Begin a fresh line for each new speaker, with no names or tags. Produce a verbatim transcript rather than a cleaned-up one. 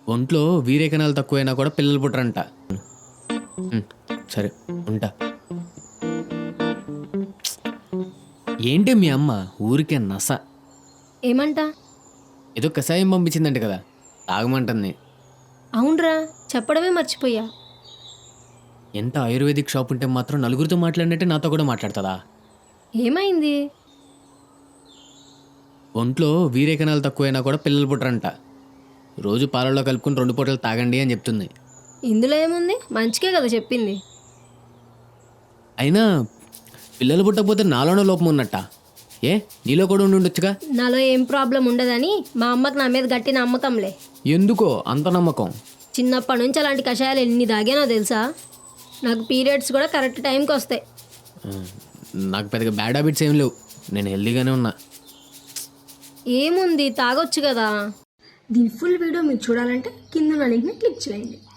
ఒంట్లో వీరే కణాలు తక్కువైనా కూడా పిల్లలు పుట్టరంట. ఉమ్, సరే ఉంటా. ఏంటి మీ అమ్మ ఊరికే నస?
ఏమంట?
ఏదో కషాయం పంపించిందంట కదా, తాగమంటుంది.
అవునరా, చెప్పడమే మర్చిపోయా.
ఎంత ఆయుర్వేదిక్ షాప్ ఉంటే మాత్రం నలుగురితో మాట్లాడినట్టే నాతో కూడా మాట్లాడుతుందా?
ఏమైంది?
ఒంట్లో వీరే కణాలు తక్కువైనా కూడా పిల్లలు పుట్టరంట. రోజు పాలల్లో కలుపుకుని రెండు పూటలు తాగండి అని చెప్తుంది.
ఇందులో ఏముంది? మంచికే కదా చెప్పింది.
అయినా పిల్లలు పుట్టకపోతే నాలోనే లోపం ఉన్నట్ట. ఏ నీలో కూడా ఉండి ఉండొచ్చుగా.
నాలో ఏం ప్రాబ్లం ఉండదని మా అమ్మకి నా మీద గట్టి నమ్మకంలే.
ఎందుకో అంత నమ్మకం?
చిన్నప్పటి నుంచి అలాంటి కషాయాలు ఎన్ని తాగానో తెలుసా? నాకు పీరియడ్స్ కూడా కరెక్ట్ టైంకి వస్తాయి.
ఆ, నాకు పెద్దగా బ్యాడ్ హ్యాబిట్స్ ఏం లేవు, నేను హెల్దీగానే ఉన్నా.
ఏముంది, తాగొచ్చు కదా. దీని ఫుల్ వీడియో మీరు చూడాలంటే కింద లింక్ని క్లిక్ చేయండి.